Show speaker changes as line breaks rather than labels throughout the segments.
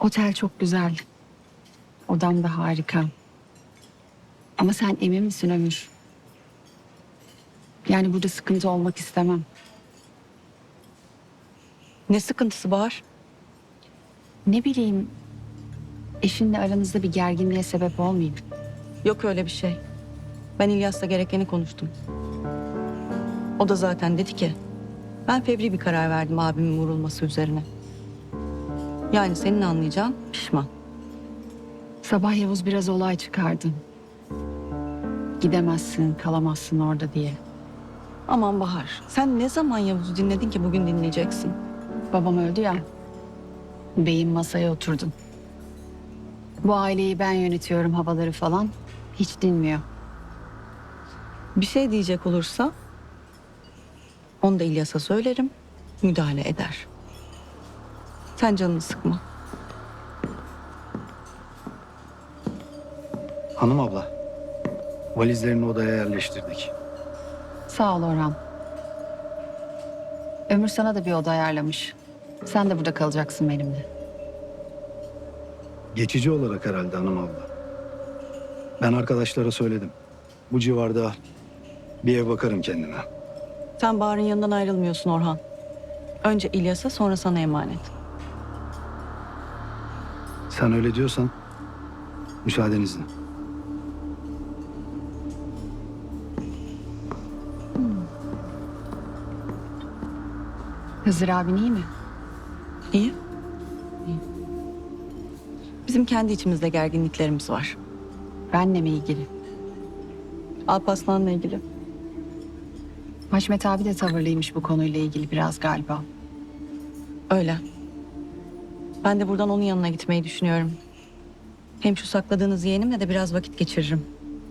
Otel çok güzel. Odam da harika. Ama sen emin misin Ömür? Yani burada sıkıntı olmak istemem.
Ne sıkıntısı Bahar?
Ne bileyim, eşinle aranızda bir gerginliğe sebep olmayayım.
Yok öyle bir şey. Ben İlyas'la gerekeni konuştum. O da zaten dedi ki, ben fevri bir karar verdim abimin vurulması üzerine. Yani senin anlayacağın pişman.
Sabah Yavuz biraz olay çıkardı. Gidemezsin, kalamazsın orada diye.
Aman Bahar, sen ne zaman Yavuz'u dinledin ki bugün dinleyeceksin?
Babam öldü ya. Beyim masaya oturdu. Bu aileyi ben yönetiyorum havaları falan. Hiç dinmiyor.
Bir şey diyecek olursa, onu da İlyas'a söylerim, müdahale eder. Sen canını sıkma.
Hanım abla, valizlerini odaya yerleştirdik.
Sağ ol Orhan. Ömür sana da bir oda ayarlamış. Sen de burada kalacaksın benimle.
Geçici olarak herhalde hanım abla. Ben arkadaşlara söyledim. Bu civarda bir ev bakarım kendime.
Sen Bahar'ın yanından ayrılmıyorsun Orhan. Önce İlyas'a sonra sana emanet.
Sen öyle diyorsan müsaadenizle.
Hızır abin iyi mi?
İyi. İyi. Bizim kendi içimizde gerginliklerimiz var.
Benle mi ilgili?
Alparslan'la ilgili.
Haşmet abi de tavırlıymış bu konuyla ilgili biraz galiba.
Öyle. Ben de buradan onun yanına gitmeyi düşünüyorum. Hem şu sakladığınız yeğenimle de biraz vakit geçiririm.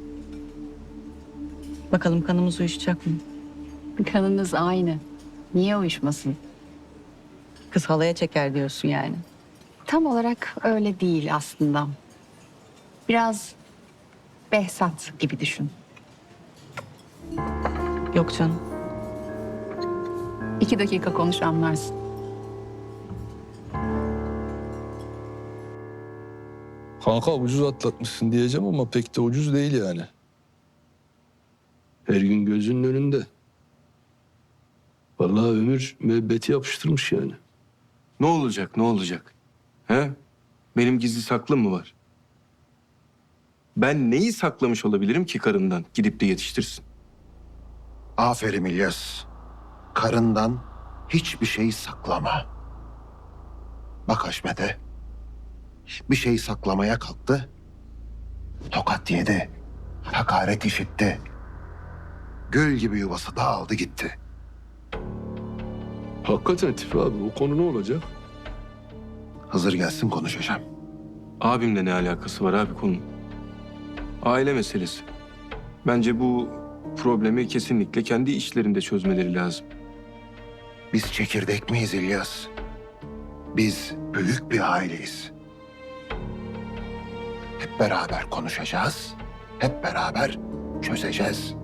Bakalım kanımız uyuşacak mı?
Kanınız aynı. Niye uyuşmasın?
Kız halaya çeker diyorsun yani.
Tam olarak öyle değil aslında. Biraz Behzat gibi düşün.
Yok canım.
2 dakika konuş anlarsın.
Kanka ucuz atlatmışsın diyeceğim ama pek de ucuz değil yani. Her gün gözünün önünde. Vallahi ömür müebbeti yapıştırmış yani.
Ne olacak, ne olacak? He? Benim gizli saklım mı var? Ben neyi saklamış olabilirim ki karından gidip de yetiştirsin?
Aferin İlyas. Karından hiçbir şey saklama. Bak Haşmet'e. Bir şey saklamaya kalktı. Tokat yedi. Hakaret işitti. Gül gibi yuvası dağıldı gitti.
Hakikaten Tipi abi o konu ne olacak?
Hızır gelsin konuşacağım.
Abimle ne alakası var abi konunun? Aile meselesi. Bence bu problemi kesinlikle kendi içlerinde çözmeleri lazım.
Biz çekirdek miyiz İlyas? Biz büyük bir aileyiz. Hep beraber konuşacağız. Hep beraber çözeceğiz.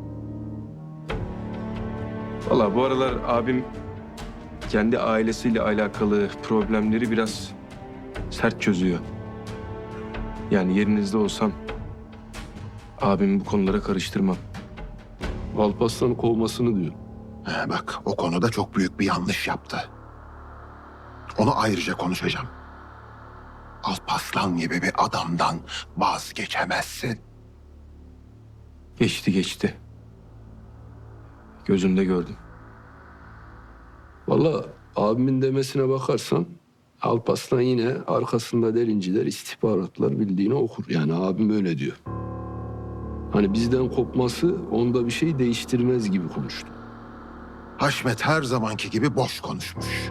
Vallahi bu aralar abim kendi ailesiyle alakalı problemleri biraz sert çözüyor. Yani yerinizde olsam abimi bu konulara karıştırmam.
Alparslan'ı kovmasını diyor.
Bak o konuda çok büyük bir yanlış yaptı. Onu ayrıca konuşacağım. Alparslan gibi bir adamdan vazgeçemezsin.
Geçti geçti. Gözümde gördüm.
Vallahi abimin demesine bakarsan Alparslan yine arkasında derinciler, istihbaratlar bildiğini okur. Yani abim öyle diyor. Hani bizden kopması onda bir şey değiştirmez gibi konuştu.
Haşmet her zamanki gibi boş konuşmuş.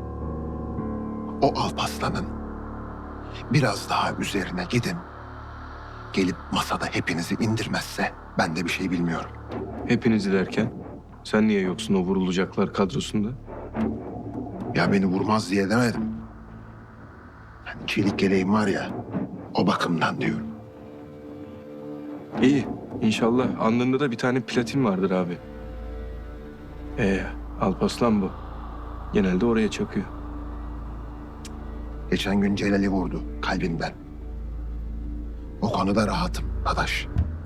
O Alparslan'ın biraz daha üzerine gidin. Gelip masada hepinizi indirmezse ben de bir şey bilmiyorum.
Hepinizi derken sen niye yoksun o vurulacaklar kadrosunda?
Ya beni vurmaz diye demedim. Hani çelik yeleğim var ya, o bakımdan diyorum.
İyi. İnşallah alnında da bir tane platin vardır abi. Alparslan bu. Genelde oraya çakıyor.
Geçen gün Celal'i vurdu kalbimden. O konuda rahatım Adaş.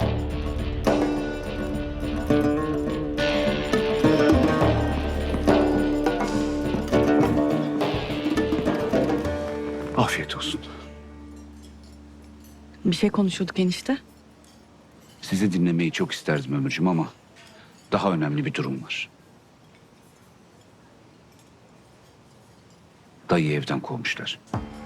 Afiyet olsun.
Bir şey konuşuyorduk enişte.
Sizi dinlemeyi çok isterdim Ömürcüğüm ama daha önemli bir durum var. Dayıyı evden kovmuşlar.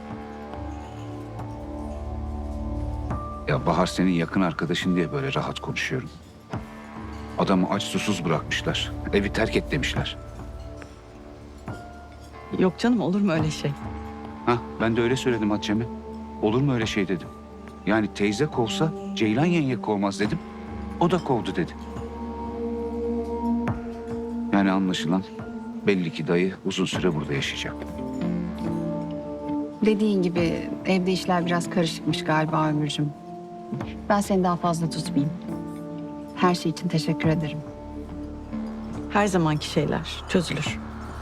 Ya Bahar senin yakın arkadaşın diye böyle rahat konuşuyorum. Adamı aç susuz bırakmışlar. Evi terk et demişler.
Yok canım, olur mu öyle şey?
Ha, ben de öyle söyledim Hatice'me. Olur mu öyle şey dedim. Yani teyze kovsa Ceylan yenge kovmaz dedim. O da kovdu dedi. Yani anlaşılan belli ki dayı uzun süre burada yaşayacak.
Dediğin gibi evde işler biraz karışıkmış galiba Ömürcüğüm. Ben seni daha fazla tutmayayım. Her şey için teşekkür ederim.
Her zamanki şeyler çözülür.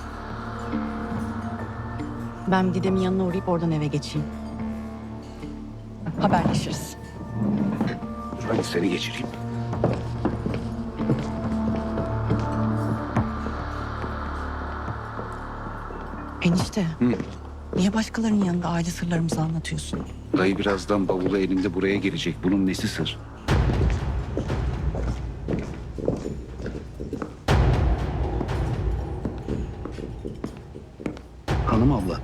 Ben Didem'in yanına uğrayıp oradan eve geçeyim. Haberleşiriz.
Dur hadi seni geçireyim.
Enişte,
Hı.
niye başkalarının yanında aile sırlarımızı anlatıyorsun?
Dayı birazdan bavulu elinde buraya gelecek. Bunun nesi sır?
Hanım abla.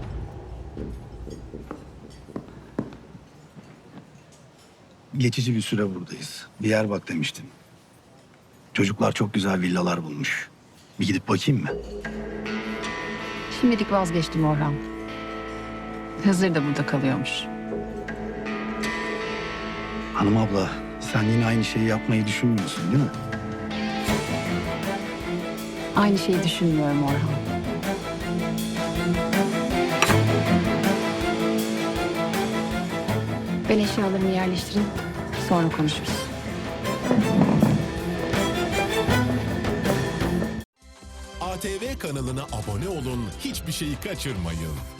Geçici bir süre buradayız. Bir yer bak demiştim. Çocuklar çok güzel villalar bulmuş. Bir gidip bakayım mı?
Şimdilik vazgeçtim Orhan. Hızır da burada kalıyormuş.
Hanım abla, sen yine aynı şeyi yapmayı düşünmüyorsun değil mi?
Aynı şeyi düşünmüyorum Orhan. Ben eşyalarımı yerleştireyim. Sonra konuşuruz.
ATV kanalına abone olun, hiçbir şeyi kaçırmayın.